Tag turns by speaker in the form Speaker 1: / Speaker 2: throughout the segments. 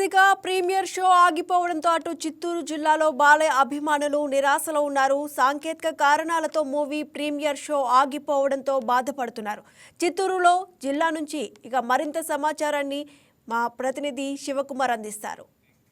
Speaker 1: ఇక premiere show ఆగిపోవడంతో అటు చిత్తూరు జిల్లాలో బాలయ్య అభిమానులు నిరాశలో ఉన్నారు. సాంకేతిక కారణాలతో మూవీ ప్రీమియర్ షో ఆగిపోవడంతో బాధపడుతున్నారు. చిత్తూరులో జిల్లా నుంచి ఇక మరింత సమాచారాన్ని మా ప్రతినిధి శివకుమార్ అందిస్తారు.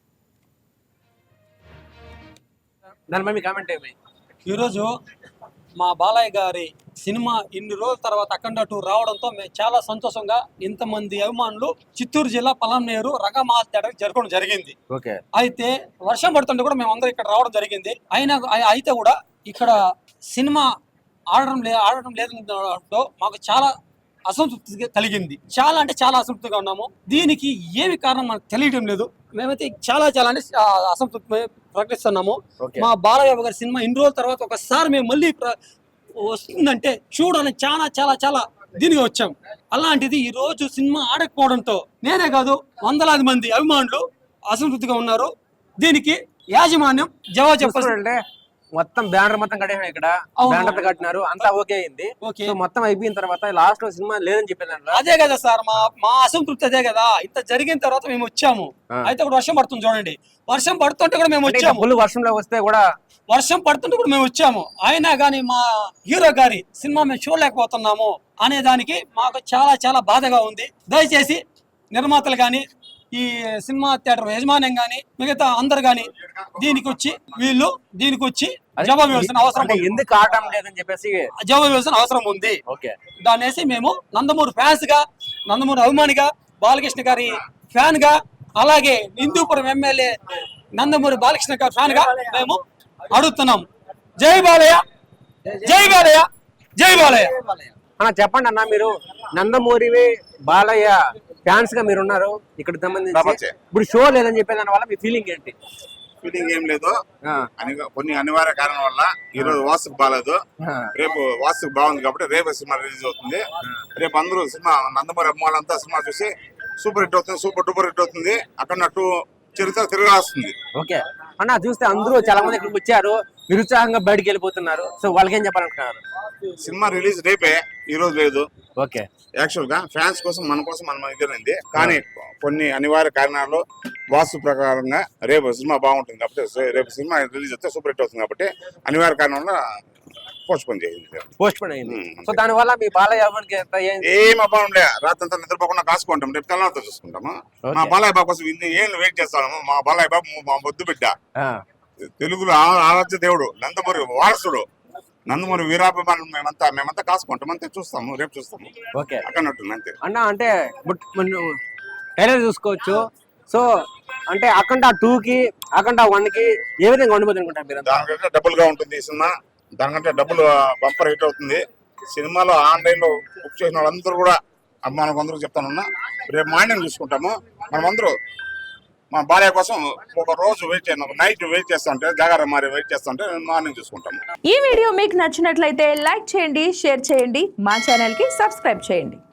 Speaker 2: ఈరోజు మా బాలయ్య గారి సినిమా ఇన్ని రోజుల తర్వాత అఖండ 2 రావడంతో మేము చాలా సంతోషంగా ఇంతమంది అభిమానులు చిత్తూరు జిల్లా పలంనేరు రంగమహల్ థియేటర్ జరగడం జరిగింది. అయితే వర్షం పడుతుంటే కూడా మేము అందరం ఇక్కడ రావడం జరిగింది. అయితే కూడా ఇక్కడ సినిమా ఆడడం లేదంటూ మాకు చాలా అసంతృప్తి కలిగింది. చాలా అంటే చాలా అసంతృప్తిగా ఉన్నాము. దీనికి ఏమి కారణం మనకు తెలియడం లేదు. మేమైతే చాలా అంటే అసంతృప్తి ప్రకటిస్తున్నాము. మా బాలయ్య గారి సినిమా ఇన్ని రోజుల తర్వాత ఒకసారి మేము మళ్ళీ వస్తుందంటే చూడాలని చాలా దీనిగా వచ్చాం. అలాంటిది ఈ రోజు సినిమా ఆడకపోవడంతో నేనే కాదు వందలాది మంది అభిమానులు అసంతృప్తిగా ఉన్నారు. దీనికి యాజమాన్యం జవాబు చెప్పాలంటే
Speaker 3: మొత్తం బ్యానర్ మొత్తం కట్టేసారు. ఇక్కడ బ్యానర్ కట్టినారు, అంతా ఓకే అయింది. మొత్తం అయిపోయిన తర్వాత లాస్ట్ లో సినిమా లేదని చెప్పారు.
Speaker 2: అదే కదా సార్ మా అసంతృప్తి అదే కదా. ఇంత జరిగిన తర్వాత మేము వచ్చాము. అయితే కూడా వర్షం పడుతుంది చూడండి. వర్షం పడుతుంటే కూడా మేము వచ్చాము.
Speaker 3: ఫుల్ వర్షంలో వస్తే కూడా
Speaker 2: వర్షం పడుతుంటే కూడా మేము వచ్చాము. అయినా కానీ మా హీరో గారి సినిమా మేము చూడలేకపోతున్నాము అనే దానికి మాకు చాలా బాధగా ఉంది. దయచేసి నిర్మాతలు కానీ ఈ సినిమా థియేటర్ యజమాన్యం గాని మిగతా అందరు గాని దీనికి వచ్చి జవాబు ఇవ్వాల్సిన అవసరం
Speaker 3: ఎందుకు ఆడటం లేదని చెప్పేసి
Speaker 2: జవాబు ఇవ్వాల్సిన అవసరం ఉంది. దాన్నేసి మేము నందమూరి ఫ్యాన్స్ గా, నందమూరి అభిమానిగా, బాలకృష్ణ గారి ఫ్యాన్ గా, అలాగే హిందూపురం ఎమ్మెల్యే నందమూరి బాలకృష్ణ గారి ఫ్యాన్ గా మేము అడుగుతున్నాం. జై బాలయ్య, జై బాలయ్య, జై బాలయ్య.
Speaker 3: చెప్పండి అన్న, మీరు నందమూరి బాలయ్య ఫ్యాన్స్ గా మీరు ఉన్నారు. ఇక్కడ సంబంధించి ఇప్పుడు షో లేదని చెప్పే దాని వల్ల మీ ఫీలింగ్ ఏంటి?
Speaker 4: ఫీలింగ్ ఏం లేదు. కొన్ని అనివార్య కారణం వల్ల ఈ రోజు వాస్తుకు బాగాలేదు. రేపు వాస్తుకు బాగుంది కాబట్టి రేపు సినిమా రిలీజ్ అవుతుంది. రేపు అందరూ సినిమా నందమూరి అమ్మాలంతా సినిమా చూసి సూపర్ హిట్ అవుతుంది, సూపర్ డూపర్ హిట్ అవుతుంది. అక్కడ నట్టు చరిత్ర తిరిగి వస్తుంది.
Speaker 3: ఓకే అన్న, చూస్తే అందరూ చాలా మంది ఇక్కడికి వచ్చారు, నిరుత్సాహంగా బయటకు వెళ్ళిపోతున్నారు. సో వాళ్ళకి ఏం చెప్పాలనుకుంటున్నారు?
Speaker 4: సినిమా రిలీజ్ రేపే, ఈ రోజు లేదు.
Speaker 3: ఓకే,
Speaker 4: యాక్చువల్ గా ఫ్యాన్స్ కోసం మన కోసం మనం ఇద్దరైంది. కానీ కొన్ని అనివార్య కారణాలు వాస్తు ప్రకారంగా రేపు సినిమా బాగుంటుంది కాబట్టి రేపు సినిమా రిలీజ్ అయితే సూపర్ హిట్ అవుతుంది కాబట్టి అనివార్య కారణంగా పోస్ట్ పోన్
Speaker 3: అయింది. సో దాని వల్ల మీ బాలయ్య
Speaker 4: ఏం అభావం లే, రాత్రంతా నిద్రపోకుండా కాసుకుంటాం, రేపు తెల్లవారితో చూసుకుంటాము. మా బాలయ్య బాబు కోసం ఇన్ని ఏళ్ళు వెయిట్ చేస్తాము. మా బాలయ్య బాబు మా బొద్దు బిడ్డ, తెలుగులో ఆరాధ్య దేవుడు, నందమూరి వారసుడు, నందమూరి వీరాభిమానులు మేమంతా కాసుకుంటాం. అంతే చూస్తాము, రేపు చూస్తాము. అక్కడట్టుంది అంతే
Speaker 3: అన్న. అంటే ట్రైలర్ చూసుకోవచ్చు. సో అంటే అఖండ 2 కి అఖండ 1 కి ఏ విధంగా ఉండిపోతుంది అనుకుంటారు మీరు?
Speaker 4: దానికంటే డబుల్ గా ఉంటుంది ఈ సినిమా. దానికంటే డబుల్ బంపర్ హిట్ అవుతుంది. సినిమాలో ఆన్లైన్ లో బుక్ చేసిన వాళ్ళందరూ కూడా అభిమానులకు అందరూ చెప్తానున్నా, రేపు మార్నింగ్ చూసుకుంటాము. మనమందరూ మా భార్య కోసం ఒక రోజు వెయిట్ చేయండి, నైట్ వెయిట్ చేస్తా ఉంటే, జాగారం మారి వెయిట్ చేస్తా ఉంటే మార్నింగ్ చూసుకుంటాము.
Speaker 5: ఈ వీడియో మీకు నచ్చినట్లయితే లైక్ చేయండి, షేర్ చేయండి, మా ఛానల్ కి సబ్స్క్రైబ్ చేయండి.